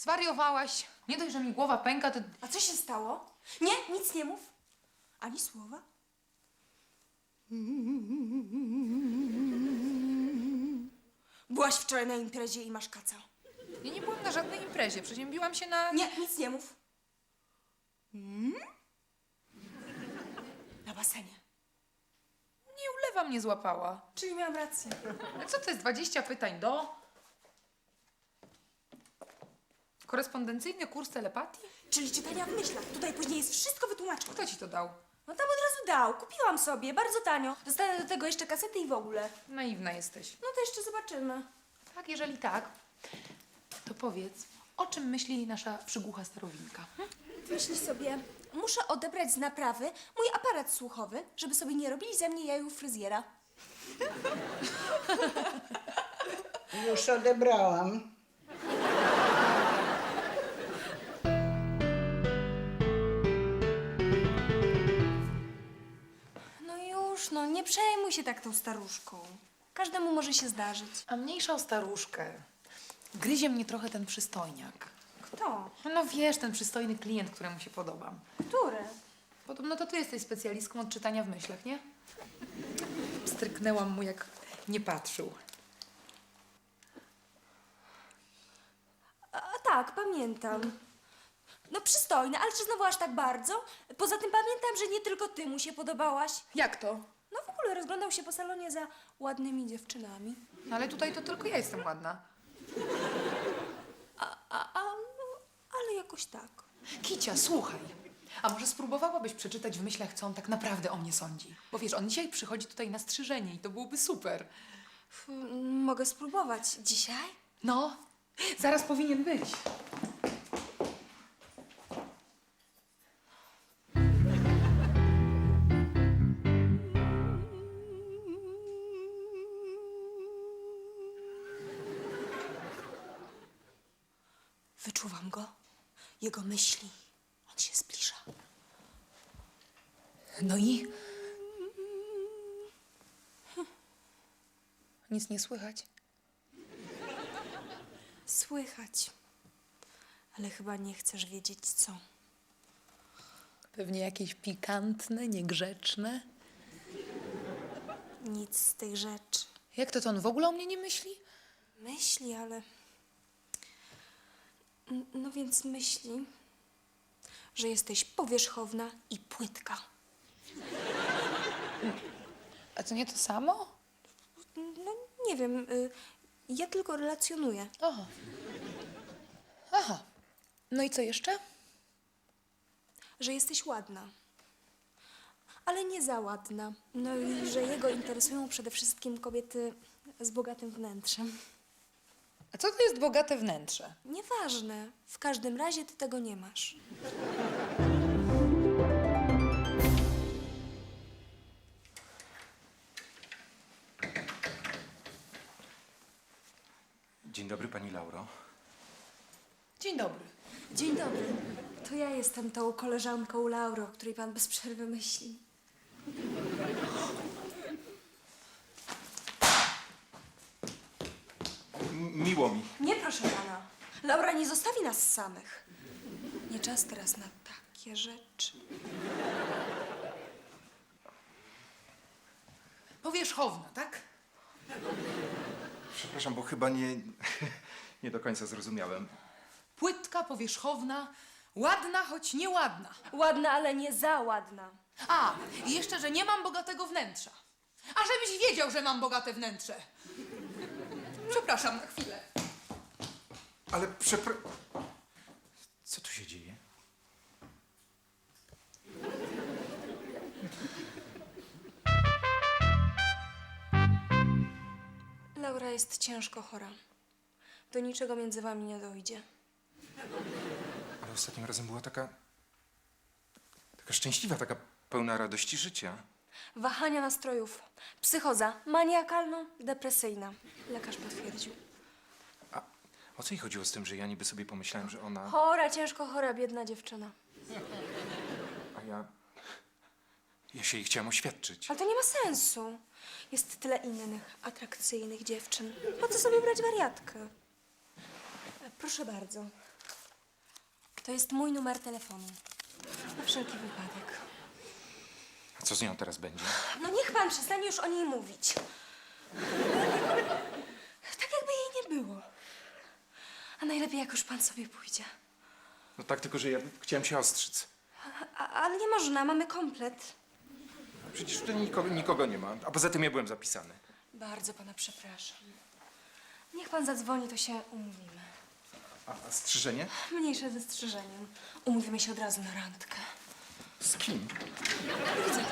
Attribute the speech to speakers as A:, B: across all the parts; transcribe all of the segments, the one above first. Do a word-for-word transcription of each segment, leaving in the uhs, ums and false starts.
A: zwariowałaś. Nie dość, że mi głowa pęka, to...
B: A co się stało? Nie, nic nie mów. Ani słowa. Byłaś wczoraj na imprezie i masz kaca.
A: Ja nie byłam na żadnej imprezie, przeziębiłam się na...
B: Nie, nic nie mów. Hmm? Na basenie.
A: Nie, ulewa mnie złapała.
B: Czyli miałam rację.
A: A co to jest dwadzieścia pytań do? Korespondencyjny kurs telepatii?
B: Czyli czytania w myślach. Tutaj później jest wszystko wytłumaczone.
A: Kto ci to dał?
B: No tam od razu dał. Kupiłam sobie, bardzo tanio. Dostanę do tego jeszcze kasety i w ogóle.
A: Naiwna jesteś.
B: No to jeszcze zobaczymy.
A: Tak, jeżeli tak, to powiedz, o czym myśli nasza przygłucha starowinka? Hm?
B: Myśl sobie, muszę odebrać z naprawy mój aparat słuchowy, żeby sobie nie robili ze mnie jaju fryzjera.
C: Już odebrałam.
B: No już, no nie przejmuj się tak tą staruszką. Każdemu może się zdarzyć.
A: A mniejsza o staruszkę. Gryzie mnie trochę ten przystojniak.
B: Kto?
A: No wiesz, ten przystojny klient, któremu się podobam.
B: Który?
A: Podobno to ty jesteś specjalistką od czytania w myślach, nie? Stryknęłam mu, jak nie patrzył.
B: A, a tak, pamiętam. No przystojny, ale czy znowu aż tak bardzo? Poza tym pamiętam, że nie tylko ty mu się podobałaś.
A: Jak to?
B: No w ogóle rozglądał się po salonie za ładnymi dziewczynami.
A: No ale tutaj to tylko ja jestem ładna.
B: A, a, a no, ale jakoś tak.
A: Kicia, słuchaj. A może spróbowałabyś przeczytać w myślach, co on tak naprawdę o mnie sądzi? Bo wiesz, on dzisiaj przychodzi tutaj na strzyżenie i to byłoby super.
B: F, mogę spróbować. Dzisiaj?
A: No, zaraz powinien być.
B: Wyczuwam go. Jego myśli. On się zbliża.
A: No i? Nic nie słychać.
B: Słychać. Ale chyba nie chcesz wiedzieć co.
A: Pewnie jakieś pikantne, niegrzeczne.
B: Nic z tych rzeczy.
A: Jak to, to on w ogóle o mnie nie myśli?
B: Myśli, ale... N- No więc myśli, że jesteś powierzchowna i płytka.
A: A to nie to samo?
B: No nie wiem, y, ja tylko relacjonuję.
A: Aha. Aha. No i co jeszcze?
B: Że jesteś ładna. Ale nie za ładna. No i że jego interesują przede wszystkim kobiety z bogatym wnętrzem.
A: A co to jest bogate wnętrze?
B: Nieważne. W każdym razie ty tego nie masz.
D: Dzień dobry, pani Lauro.
A: Dzień dobry.
B: Dzień dobry. To ja jestem tą koleżanką Lauro, o której pan bez przerwy myśli.
D: M- miło mi.
B: Nie, proszę pana. Laura nie zostawi nas samych. Nie czas teraz na takie rzeczy.
A: Powierzchowna, tak?
D: Przepraszam, bo chyba nie, nie do końca zrozumiałem.
A: Płytka, powierzchowna, ładna, choć nieładna.
B: Ładna, ale nie za ładna.
A: A, i jeszcze, że nie mam bogatego wnętrza. A żebyś wiedział, że mam bogate wnętrze. Przepraszam na chwilę.
D: Ale przepra... Co tu się dzieje?
B: Laura jest ciężko chora. Do niczego między wami nie dojdzie.
D: Ale ostatnim razem była taka... Taka szczęśliwa, taka pełna radości życia.
B: Wahania nastrojów. Psychoza maniakalno-depresyjna. Lekarz potwierdził.
D: A o co jej chodziło z tym, że ja niby sobie pomyślałem, że ona...
B: Chora, ciężko chora, biedna dziewczyna.
D: A ja... Ja się jej chciałem oświadczyć.
B: Ale to nie ma sensu. Jest tyle innych, atrakcyjnych dziewczyn. Po co sobie brać wariatkę? Proszę bardzo. To jest mój numer telefonu. Na wszelki wypadek.
D: A co z nią teraz będzie?
B: No niech pan przestanie już o niej mówić. Tak jakby jej nie było. A najlepiej jak już pan sobie pójdzie.
D: No tak, tylko że ja chciałem się ostrzec.
B: A, ale nie można, mamy komplet.
D: Przecież tutaj nikogo, nikogo nie ma, a poza tym ja byłem zapisany.
B: Bardzo pana przepraszam. Niech pan zadzwoni, to się umówimy.
D: A, a strzyżenie?
B: Mniejsze ze strzyżeniem. Umówimy się od razu na randkę.
D: Z kim?
B: Do widzenia.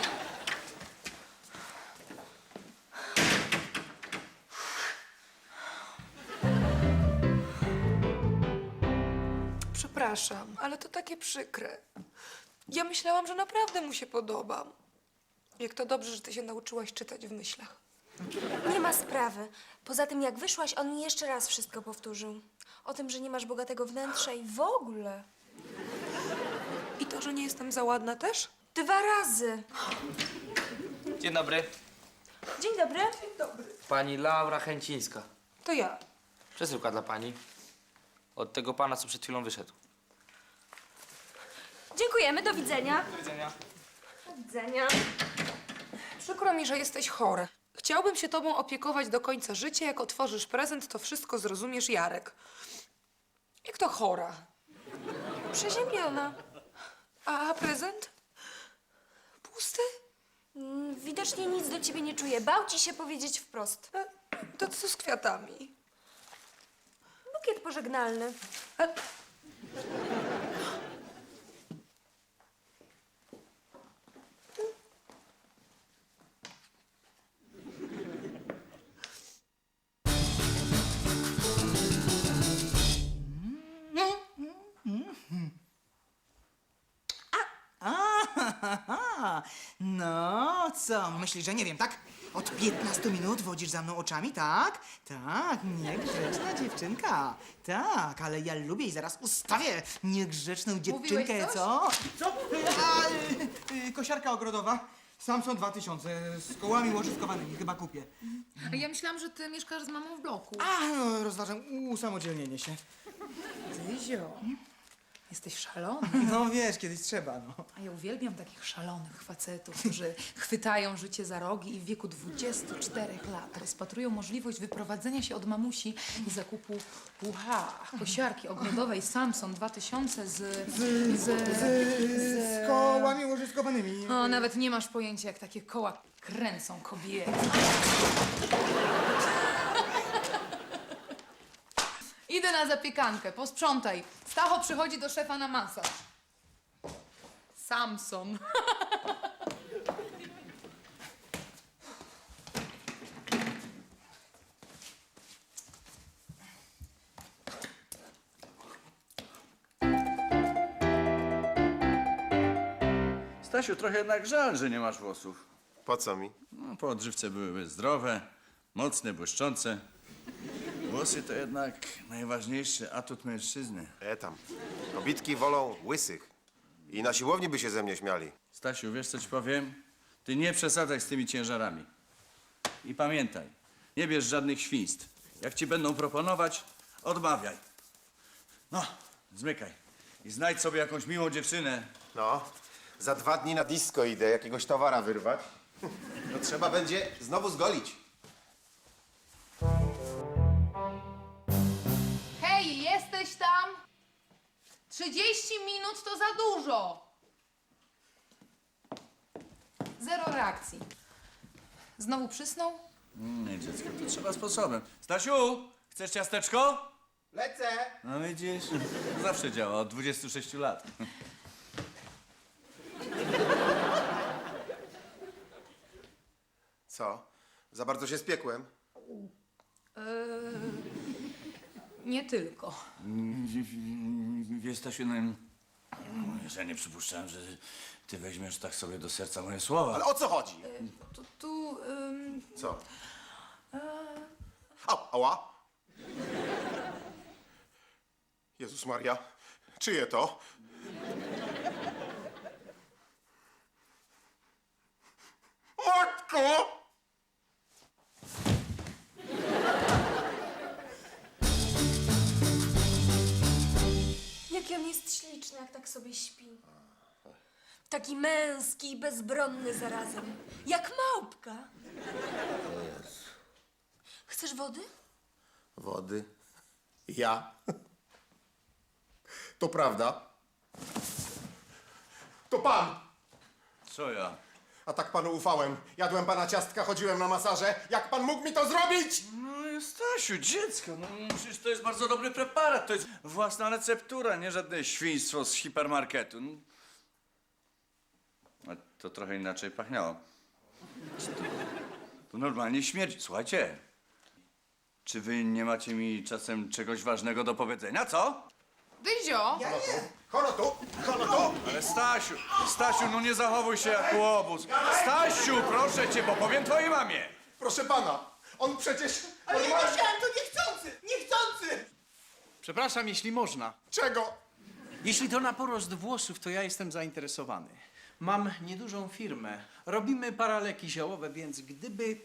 A: Przepraszam, ale to takie przykre. Ja myślałam, że naprawdę mu się podobam. Jak to dobrze, że ty się nauczyłaś czytać w myślach.
B: Nie ma sprawy. Poza tym, jak wyszłaś, on mi jeszcze raz wszystko powtórzył. O tym, że nie masz bogatego wnętrza i w ogóle.
A: I to, że nie jestem za ładna też?
B: Dwa razy.
E: Dzień dobry.
B: Dzień dobry.
E: Pani Laura Chęcińska.
A: To ja.
E: Przesyłka dla pani. Od tego pana, co przed chwilą wyszedł.
B: Dziękujemy, do widzenia.
E: Do widzenia.
B: Do widzenia.
A: Przykro mi, że jesteś chory. Chciałbym się tobą opiekować do końca życia. Jak otworzysz prezent, to wszystko zrozumiesz, Jarek. Jak to chora?
B: Przeziębiona.
A: A prezent? Pusty?
B: Mm, Widocznie nic do ciebie nie czuje. Bał ci się powiedzieć wprost.
A: E, To co z kwiatami?
B: Bukiet pożegnalny.
A: E,
F: Aha, no co, myślisz, że nie wiem, tak? Od piętnastu minut wodzisz za mną oczami, tak? Tak, niegrzeczna dziewczynka. Tak, ale ja lubię i zaraz ustawię niegrzeczną dziewczynkę,
A: coś?
F: co? Co? A, y, y, kosiarka ogrodowa. Samson dwa tysiące z kołami łożyskowanymi, chyba kupię.
A: A ja myślałam, że ty mieszkasz z mamą w bloku.
F: A, no, rozważam usamodzielnienie się.
A: Tyzio, jesteś szalony.
F: No wiesz, kiedyś trzeba, no.
A: A ja uwielbiam takich szalonych facetów, którzy chwytają życie za rogi i w wieku dwudziestu czterech lat rozpatrują możliwość wyprowadzenia się od mamusi i zakupu pucha, kosiarki ogrodowej Samson dwa tysiące z... z... z...
F: Z kołami łożyskowanymi.
A: O, nawet nie masz pojęcia, jak takie koła kręcą kobiety. Idę na zapiekankę, posprzątaj. Stacho przychodzi do szefa na masaż. Samson.
G: Stasiu, trochę jednak żal, że nie masz włosów.
H: Po co mi?
G: No, po odżywce byłyby zdrowe, mocne, błyszczące. Włosy to jednak najważniejszy atut mężczyzny.
H: E tam. Kobitki wolą łysych. I na siłowni by się ze mnie śmiali.
G: Stasiu, wiesz co ci powiem? Ty nie przesadzaj z tymi ciężarami. I pamiętaj, nie bierz żadnych świństw. Jak ci będą proponować, odmawiaj. No, zmykaj. I znajdź sobie jakąś miłą dziewczynę.
H: No, za dwa dni na disco idę jakiegoś towara wyrwać. To trzeba będzie znowu zgolić.
A: Hej, jesteś tam? trzydzieści minut to za dużo. Zero reakcji. Znowu przysnął?
G: Nie, dziecko, to trzeba sposobem. Stasiu, chcesz ciasteczko?
H: Lecę!
G: No widzisz, zawsze działa, od dwudziestu sześciu lat.
H: Co? Za bardzo się spiekłem?
A: Nie tylko.
G: Wiesz, Stasiu, no, ja nie przypuszczałem, że ty weźmiesz tak sobie do serca moje słowa.
H: Ale o co chodzi?
A: Tu, tu ym,
H: Co? Au, ała! Jezus Maria, czyje to? Matko!
B: Nie Jaki on jest śliczny, jak tak sobie śpi. Taki męski i bezbronny zarazem. Jak małpka. Chcesz wody?
H: Wody. Ja? To prawda. To pan!
G: Co ja?
H: A tak panu ufałem. Jadłem pana ciastka, chodziłem na masaże. Jak pan mógł mi to zrobić?
G: No Stasiu, dziecko, no przecież to jest bardzo dobry preparat. To jest własna receptura, nie żadne świństwo z hipermarketu. No. A to trochę inaczej pachniało. To, to normalnie śmierdzi. Słuchajcie, czy wy nie macie mi czasem czegoś ważnego do powiedzenia, co?
A: Dyzio!
H: Kono tu! Kono tu!
G: Ale Stasiu, Stasiu, no nie zachowuj się jak łobuz. Stasiu, proszę cię, bo powiem twojej mamie.
H: Proszę pana, on przecież...
F: Ale ja
H: normalnie-
F: nie chciałem, to niechcący! Niechcący!
I: Przepraszam, jeśli można.
H: Czego?
I: Jeśli to na porost włosów, to ja jestem zainteresowany. Mam niedużą firmę. Robimy paraleki ziołowe, więc gdyby...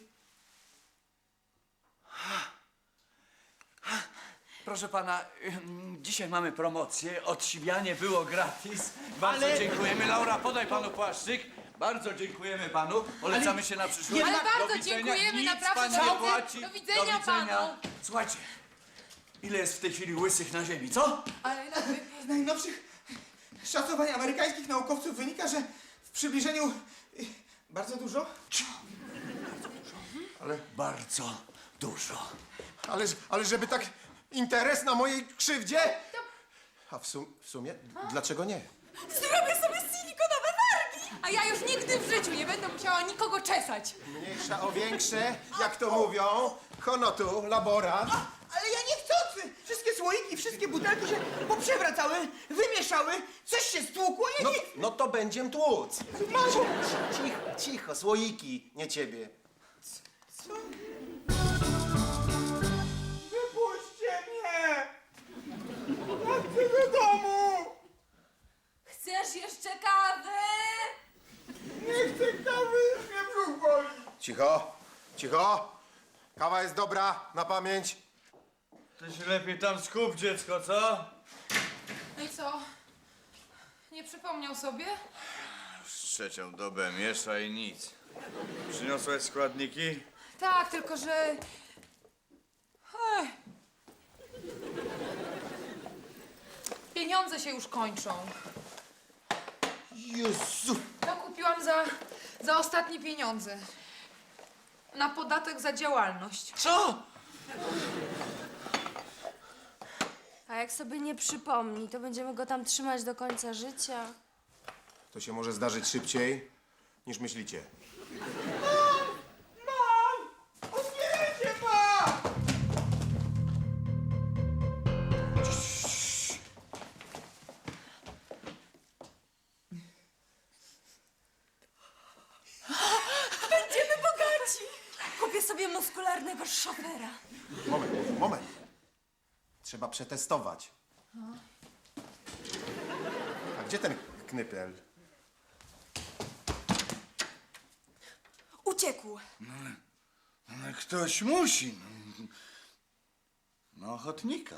G: Proszę pana, ym, dzisiaj mamy promocję. Odsiwianie było gratis. Bardzo
I: Ale-
G: dziękujemy. Laura, podaj panu płaszczyk. Bardzo dziękujemy panu. Polecamy się na przyszłość.
A: Ale
G: Do
A: bardzo
G: widzenia.
A: dziękujemy,
G: Nic
A: naprawdę.
G: pan
A: Do
G: nie
A: widzenia-
G: płaci.
A: do widzenia
G: Do widzenia.
A: panu.
G: Słuchajcie, ile jest w tej chwili łysych na ziemi, co?
A: Ale jakby...
F: Z najnowszych szacowań amerykańskich naukowców wynika, że w przybliżeniu y, bardzo dużo.
H: Ale,
G: Bardzo dużo.
H: ale, ale żeby tak interes na mojej krzywdzie? A w, sum, w sumie, dlaczego nie?
B: Zrobię sobie silikonowe wargi!
A: A ja już nigdy w życiu nie będę musiała nikogo czesać.
H: Mniejsza o większe, jak to mówią. Honotu, laborat.
F: Ale ja niechcący! Wszystkie słoiki, wszystkie butelki się poprzewracały, wymieszały, coś się stłukło, ja
H: No,
F: nie...
H: no to będziem tłuc.
F: Mało!
H: Cicho, cicho, słoiki, nie ciebie.
F: Wypuśćcie mnie! Ja chcę do domu!
B: Chcesz jeszcze kawy?
F: Nie chcę kawy, już mnie brzuch boli!
H: Cicho, cicho. Kawa jest dobra, na pamięć.
G: Ty się lepiej tam skup, dziecko, co?
A: No i co? Nie przypomniał sobie?
G: Już trzecią dobę miesza i nic. Przyniosłeś składniki?
A: Tak, tylko że... Ech. Pieniądze się już kończą.
H: Jezu.
A: To kupiłam za, za ostatnie pieniądze. Na podatek za działalność.
G: Co?
B: A jak sobie nie przypomni, to będziemy go tam trzymać do końca życia.
H: To się może zdarzyć szybciej, niż myślicie.
F: Otwierajcie pan!
B: Będziemy bogaci! Kupię sobie muskularnego szofera.
H: Moment, moment. Trzeba przetestować. A gdzie ten knypel?
B: Uciekł.
G: Ale ktoś musi. No, no ochotnika.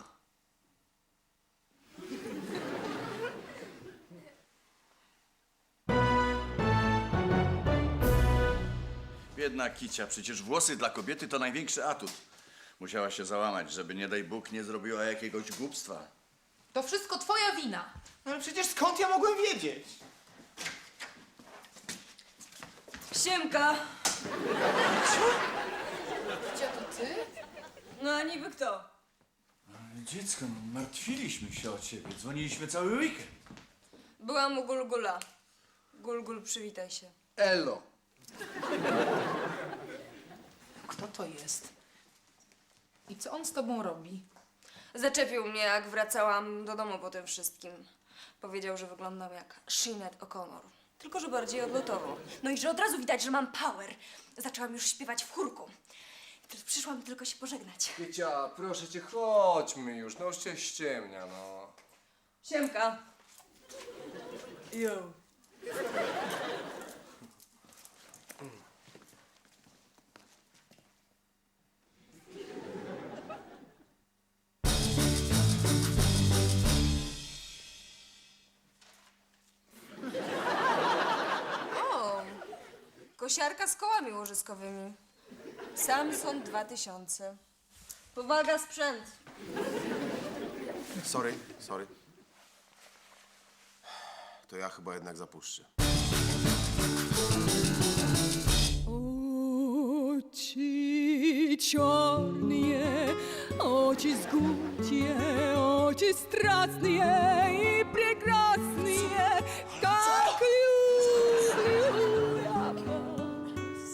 G: Biedna Kicia, przecież włosy dla kobiety to największy atut. Musiała się załamać, żeby nie daj Bóg nie zrobiła jakiegoś głupstwa.
A: To wszystko twoja wina.
F: No ale przecież skąd ja mogłem wiedzieć?
B: Siemka.
A: Gdzie to ty?
B: No a niby kto?
G: Ale dziecko, no, martwiliśmy się o ciebie. Dzwoniliśmy cały weekend.
B: Byłam u Gulgula. Gulgul, przywitaj się.
I: Elo.
A: Kto to jest? I co on z tobą robi?
B: Zaczepił mnie, jak wracałam do domu po tym wszystkim. Powiedział, że wyglądam jak Sinead O'Connor. Tylko, że bardziej odlotowo. No i że od razu widać, że mam power. Zaczęłam już śpiewać w chórku. I teraz przyszłam tylko się pożegnać.
J: Kiecia, proszę cię, chodźmy już, no już cię ściemnia, no.
B: Siemka. Yo. Kosiarka z kołami łożyskowymi. Samson dwa tysiące. Powaga, sprzęt.
H: Sorry, sorry. To ja chyba jednak zapuszczę.
K: Очи черные, очи жгучие, очи страстные и прекрасные, как люблю я вас.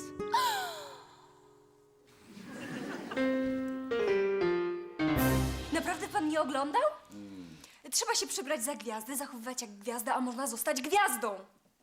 B: Naprawdę pan nie oglądał? Trzeba się przebrać za gwiazdę, zachowywać jak gwiazda, a można zostać gwiazdą.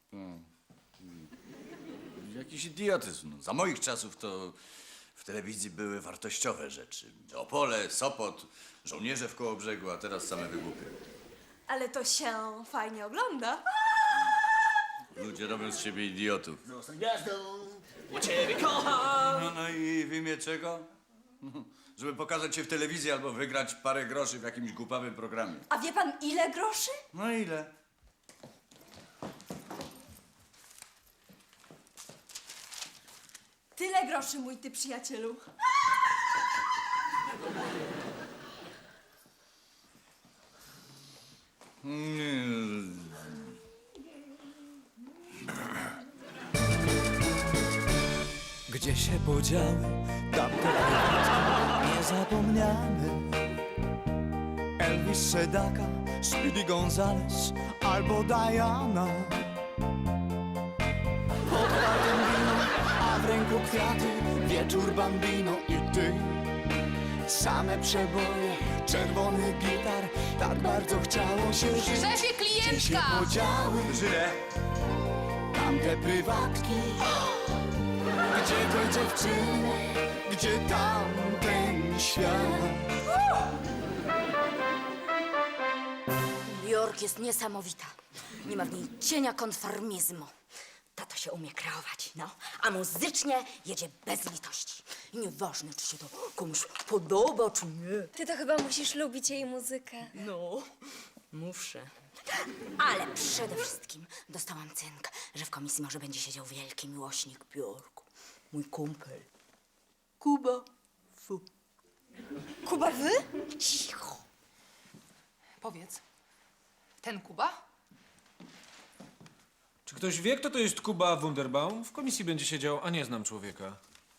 G: Jakiś idiotyzm. No, za moich czasów to w telewizji były wartościowe rzeczy. Opole, Sopot, żołnierze w Kołobrzegu, a teraz same wygłupy.
B: Ale to się fajnie ogląda.
G: Ludzie robią z siebie idiotów.
E: U ciebie kocham!
G: No, no i w imię czego? Żeby pokazać się w telewizji albo wygrać parę groszy w jakimś głupawym programie.
B: A wie pan ile groszy?
G: No ile?
B: Tyle groszy, mój ty przyjacielu.
K: Gdzie się podziały tamte chwileczki niezapomniane? Elvis Sedaka, Speedy Gonzales albo Diana. Pod palcem wino, a w ręku kwiaty, wieczór bambino i ty. Same przeboje, czerwony gitar, tak bardzo chciało się żyć.
A: Szefie,
K: Gdzie się
A: klientka!
K: podziały
G: Żyle.
K: tamte prywatki? Gdzie te dziewczyny, gdzie tamten świat?
L: New York jest niesamowita. Nie ma w niej cienia konformizmu. Tato się umie kreować, no. A muzycznie jedzie bez litości. I nieważne, czy się to komuś podoba, czy nie.
B: Ty to chyba musisz lubić jej muzykę.
L: No, muszę. Ale przede wszystkim dostałam cynk, że w komisji może będzie siedział wielki miłośnik Bjorku. Mój kumpel. Kuba Fu.
B: Kuba, wy?
L: Cicho.
A: Powiedz, ten Kuba?
J: Czy ktoś wie, kto to jest Kuba Wunderbaum? W komisji będzie siedział, a nie znam człowieka.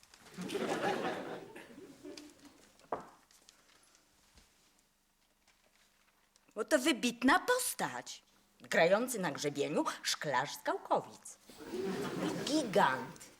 L: Bo to wybitna postać. Grający na grzebieniu szklarz z Gałkowic. Gigant.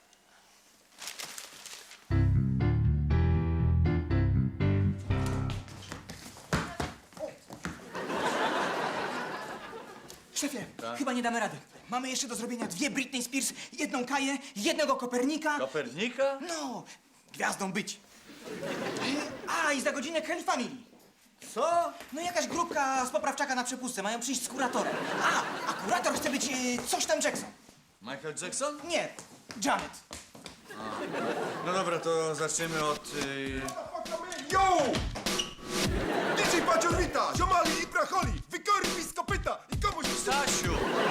F: Szefie, chyba nie damy rady. Mamy jeszcze do zrobienia dwie Britney Spears, jedną Kaję, jednego Kopernika.
G: Kopernika?
F: No, gwiazdą być. A, i za godzinę Kelly Family.
G: Co?
F: No jakaś grupka z poprawczaka na przepustce, mają przyjść z kuratorem. A, a kurator chce być e, coś tam Jackson.
G: Michael Jackson?
F: Nie, Janet.
G: No dobra, to zaczniemy od... Y...
H: Yo! D J Paciorita, ziomali i bracholi, wykorwi z kopyta i komuś...
G: Stasiu!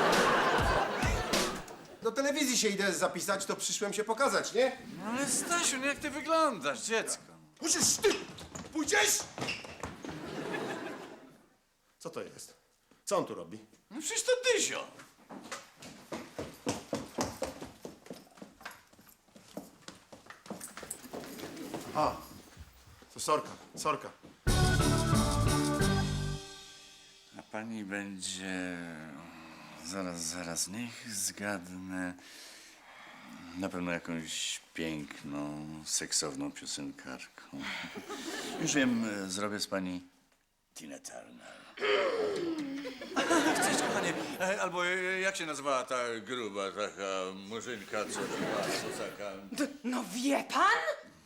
H: Do telewizji się idę zapisać, to przyszłem się pokazać, nie?
G: No ale Stasiu, no jak ty wyglądasz, dziecko?
H: Musisz ty! Pójdziesz? Co to jest? Co on tu robi?
G: No przecież to Dyzio.
H: A, to Sorka, Sorka.
G: A pani będzie... Zaraz, zaraz, niech zgadnę. Na pewno jakąś piękną, seksowną piosenkarką. Już wiem, zrobię z pani Tina Turner. Cześć, kochanie. E, Albo e, jak się nazywała ta gruba, taka murzynka, co była, co taka...
L: No wie pan?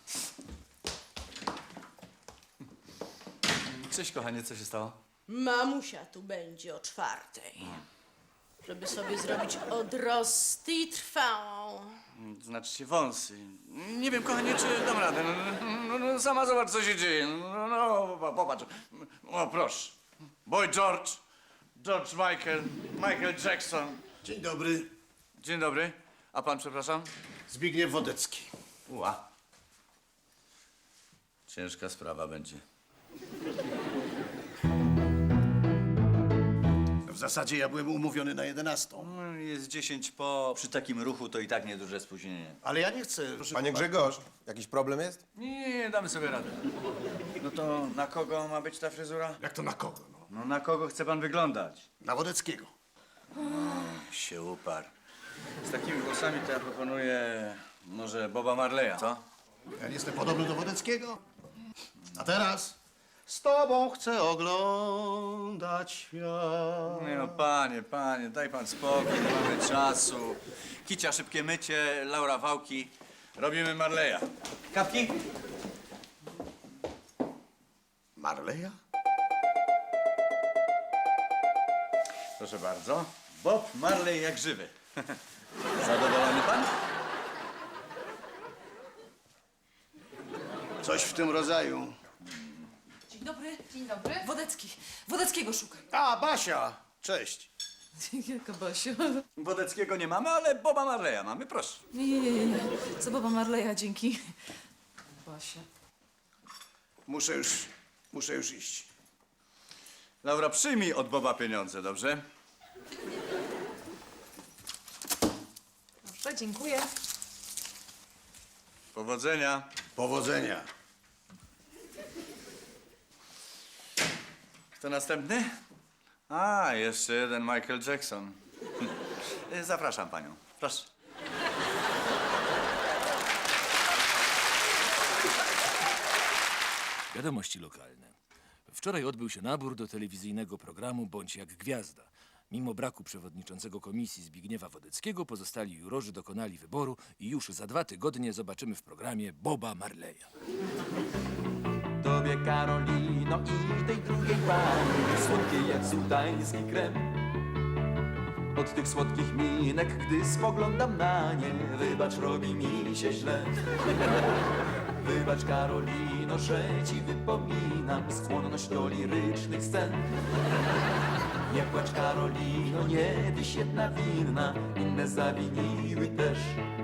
G: Cześć, kochanie, co się stało?
K: Mamusia tu będzie o czwartej, żeby sobie zrobić odrosty trwałą.
G: Znaczy się wąsy. Nie wiem, kochanie, czy dam radę. No, no, no, sama zobacz, co się dzieje. No, no, popatrz. O, proszę. Boy George, George Michael, Michael Jackson.
H: Dzień dobry.
G: Dzień dobry. A pan, przepraszam?
M: Zbigniew Wodecki.
G: Ua. Ciężka sprawa będzie.
M: W zasadzie ja byłem umówiony na jedenastą.
G: No, jest dziesięć po. Przy takim ruchu to i tak nieduże spóźnienie.
M: Ale ja nie chcę. Proszę
H: Panie Grzegorz, jakiś problem jest?
G: Nie, nie, nie, damy sobie radę. No to na kogo ma być ta fryzura?
M: Jak to na kogo? No?
G: No na kogo chce pan wyglądać?
M: Na Wodeckiego.
G: Się uparł. Z takimi włosami to ja proponuję może Boba Marleya, co?
M: Ja nie jestem podobny do Wodeckiego. A teraz z tobą chcę oglądać świat.
G: Nie no, panie, panie, daj pan spokój, nie mamy czasu. Kicia, szybkie mycie, Laura wałki. Robimy Marleya. Kapki?
M: Marleya?
G: Proszę bardzo. Bob Marley jak żywy. Zadowolony pan?
M: Coś w tym rodzaju.
A: Dzień dobry. Dzień dobry. Wodecki. Wodeckiego szukaj.
M: A, Basia! Cześć.
A: Jaka Basia?
G: Wodeckiego nie mamy, ale Boba Marleya mamy, proszę.
A: Nie, nie, nie, nie. Co Boba Marleya, dzięki. Basia.
M: Muszę już, muszę już iść.
G: Laura, przyjmij od Boba pieniądze, dobrze?
A: Dobrze, dziękuję.
G: Powodzenia.
M: Powodzenia.
G: Kto następny? A, jeszcze jeden Michael Jackson. Zapraszam panią. Proszę.
N: Wiadomości lokalne. Wczoraj odbył się nabór do telewizyjnego programu Bądź jak gwiazda. Mimo braku przewodniczącego komisji Zbigniewa Wodeckiego, pozostali jurorzy dokonali wyboru i już za dwa tygodnie zobaczymy w programie Boba Marleya.
K: Tobie Karolino i tej drugiej pani, słodkie jak sudański krem. Od tych słodkich minek, gdy spoglądam na nie, wybacz, robi mi się źle. Wybacz Karolino, że ci wypominam skłonność do lirycznych scen. Nie płacz Karolino, nie tyś jedna winna, inne zawiniły też.